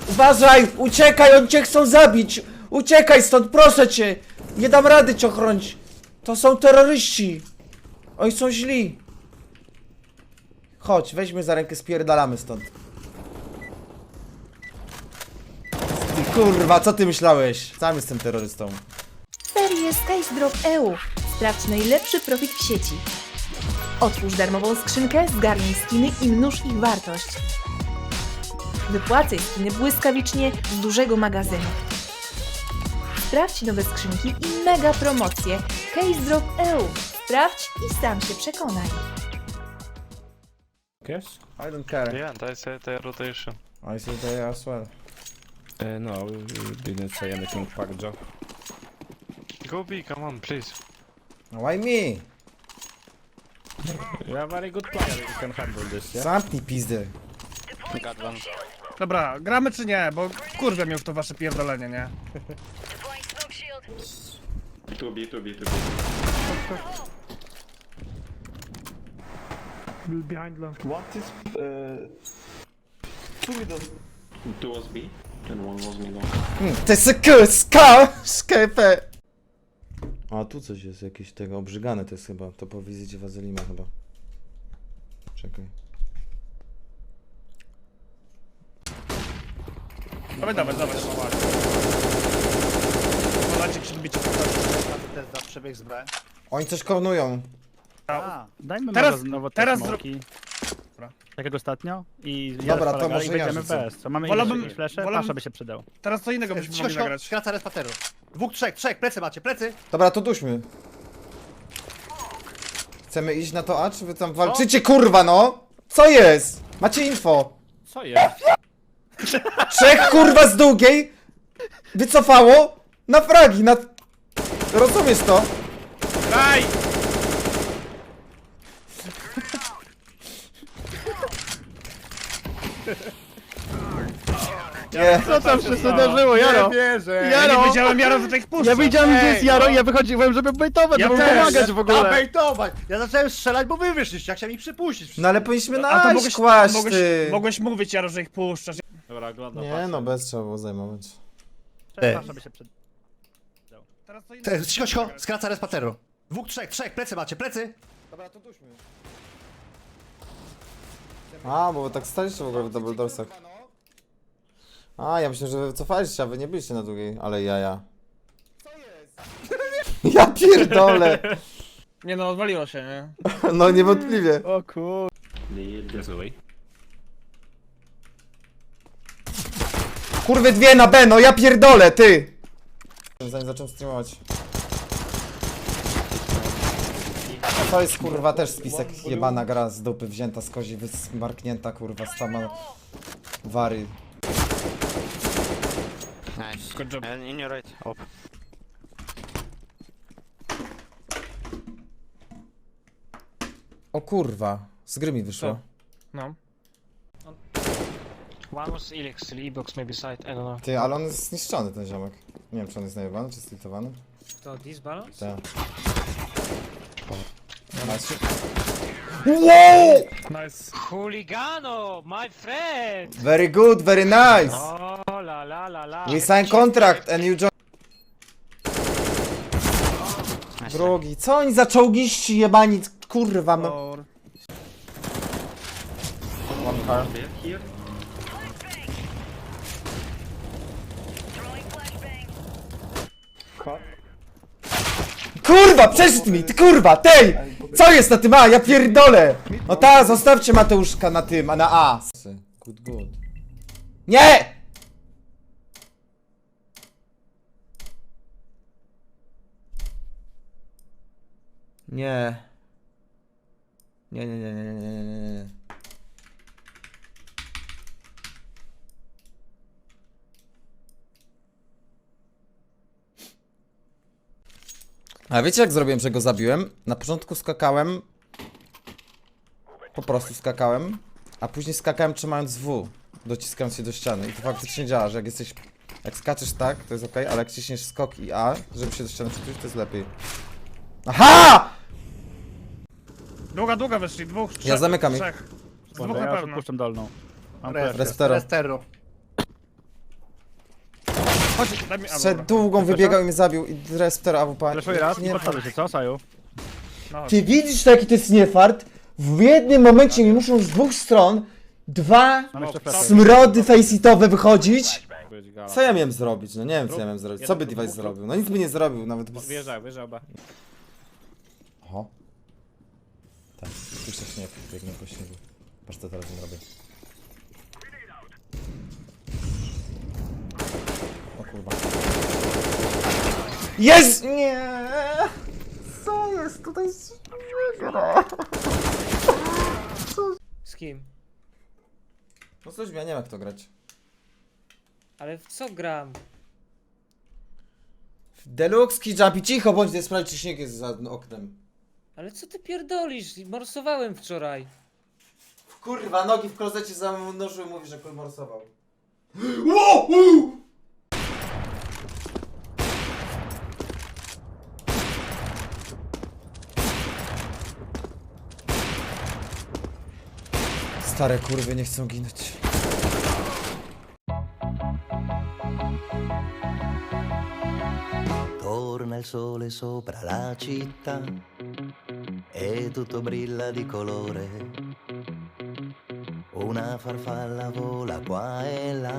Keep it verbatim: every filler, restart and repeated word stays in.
Uważaj! Uciekaj, oni cię chcą zabić! Uciekaj stąd, proszę cię! Nie dam rady cię ochronić! To są terroryści! Oni są źli! Chodź, weźmy za rękę, spierdalamy stąd. Ty kurwa, co ty myślałeś? Sam jestem terrorystą. Serię SkyDrop kropka e u. Sprawdź najlepszy profit w sieci. Otwórz darmową skrzynkę, zgarnij skiny i mnóż ich wartość. Wypłacaj skiny błyskawicznie z dużego magazynu. Sprawdź nowe skrzynki i mega promocje. SkyDrop kropka e u. Sprawdź i sam się przekonaj. Yes? I don't care. Yeah, and I said the rotation. I see they as well. Uh, no, we we didn't say anything, fuck Joe. Go B, come on, please. Why me? You're a very good player, you can handle this, yeah? Zamknij pizdę. Got one. Dobra, gramy czy nie? Bo kurwa mnie w to wasze pierdolenie, nie? two B, two B, two B. What is uh, two middle? Two was B and one was middle. Hmm, to jest k, ska, sklepę. A tu coś jest jakieś tego, obrzygane to jest chyba, to po wizycie Wazelima chyba. Czekaj. Dawaj, dawaj, dawaj. Polacie się bicie. Też za przebieg z B. Oni coś konują. A, dajmy Teraz- teraz, nowo teraz te smoki. Dobra. Tak jak ostatnio. I Dobra, to to może i ja będziemy rzucę. bez. Co mamy Wolałbym- jakieś flesze? wolałbym- Pasza by się przydał. Teraz co innego byśmy Cicho, mogli cicho, nagrać. skraca respateru. Dwóch, trzech, trzech, plecy macie, plecy! Dobra, to duśmy. Chcemy iść na to A, czy wy tam walczycie, kurwa no? Co jest? Macie info. Co jest? Trzech kurwa z długiej wycofało na fragi, na... Rozumiesz to? Daj! Nie. Co tam się zdarzyło, Jaro? Ja Jaro! nie wiedziałem, Jaro, że tak puszcza. Ja widziałem, że jest Jaro i ja wychodziłem, żeby bejtować, Ja żeby też. pomagać w ogóle. bejtować! Ja zacząłem strzelać, bo wy wyszliście, jak chciałem ich przypuścić. No ale powinniśmy A na to A mogłeś, kłaść, mogłeś, ty. mogłeś mówić, Jaro, że ich puszczasz. Dobra, oglądam. Nie no, bez trzeba było zajmować. Pasza by się przydał. Teraz co innego. Cicho, cicho, skraca respateru. Dwóch, trzech, trzech, plecy macie, plecy! Dobra, to duśmy. A, bo wy tak staliście w ogóle w double doorsach. A, ja myślę, że wy wycofaliście, a wy nie byliście na długiej, ale jaja. Co jest? Ja pierdolę! Nie no, odwaliło się, nie? No niewątpliwie. O kur... This way. Kurwy dwie na B, no ja pierdolę, ty! Zanim zacząłem streamować. A to jest kurwa też spisek jebana gra z dupy wzięta z kozi, wysmarknięta kurwa z tama wary. Nice. Good job. And in your right. Up. O kurwa, z gry mi wyszło. No. One was Elix, E-box maybe side, I don't know. Ty, ale on jest zniszczony ten ziomek. Nie wiem czy on jest najebany, czy stiltowany. To disbalance? Tak. Nice. Wow! Nice. Hooligano, my friend! Very good, very nice! Oh la la la la. We sign contract and you join... Drogi, co oni za czołgiści jebani, kurwa no. Or... One car. Here? Kurwa, przeszedł mi, ty kurwa, tej! Co jest na tym A? Ja pierdolę! No ta, zostawcie Mateuszka na tym, a na A. Good, good. Nie! Nie. Nie, nie, nie, nie, nie, nie, nie, nie. A wiecie jak zrobiłem, że go zabiłem? Na początku skakałem. Po prostu skakałem. A później skakałem trzymając W. Dociskając się do ściany. I to faktycznie działa, że jak jesteś... Jak skaczesz tak, to jest ok, ale jak ciśniesz skok i A, żeby się do ściany przytulić, to jest lepiej. Aha! Długa, długa wyszli, dwóch, trzech. Ja zamykam ich. Trzech. Z dwóch Ja na już pewno. odpuszczam dolną. Mam Res- flash. Restero. Restero. Chodź, daj mi... a, Przed dobra. długą wybiegał i mnie zabił i respter A W P. Flashuję raz i Nie, podstawię się, co, Saju? No, Ty widzisz, jaki to jest niefart? W jednym momencie mi muszą z dwóch stron dwa Mam jeszcze flash. smrody faceitowe wychodzić. Być gala. Co ja miałem zrobić? No nie wiem, co ja miałem zrobić. Co by device zrobił? No nic by nie zrobił, nawet bez... Wjeżdżaj, wjeżdżaj oba. Oho. Tak, puszczę śnieg, biegnę po śniegu. Patrz co teraz im robię. O kurwa. Jest! Nie! Co jest tutaj? Z kim? No coś, ja nie wiem jak to grać. Ale w co gram? Deluxe, Jumpy, cicho bądź, nie sprawdź czy śnieg jest za oknem. Ale co ty pierdolisz? Morsowałem wczoraj. Kurwa, nogi w klozecie zanurzyły, mówi, że morsował. Ło! U! Stare kurwy nie chcą ginąć. Torna il sole sopra la città e tutto brilla di colore. Una farfalla vola qua e là.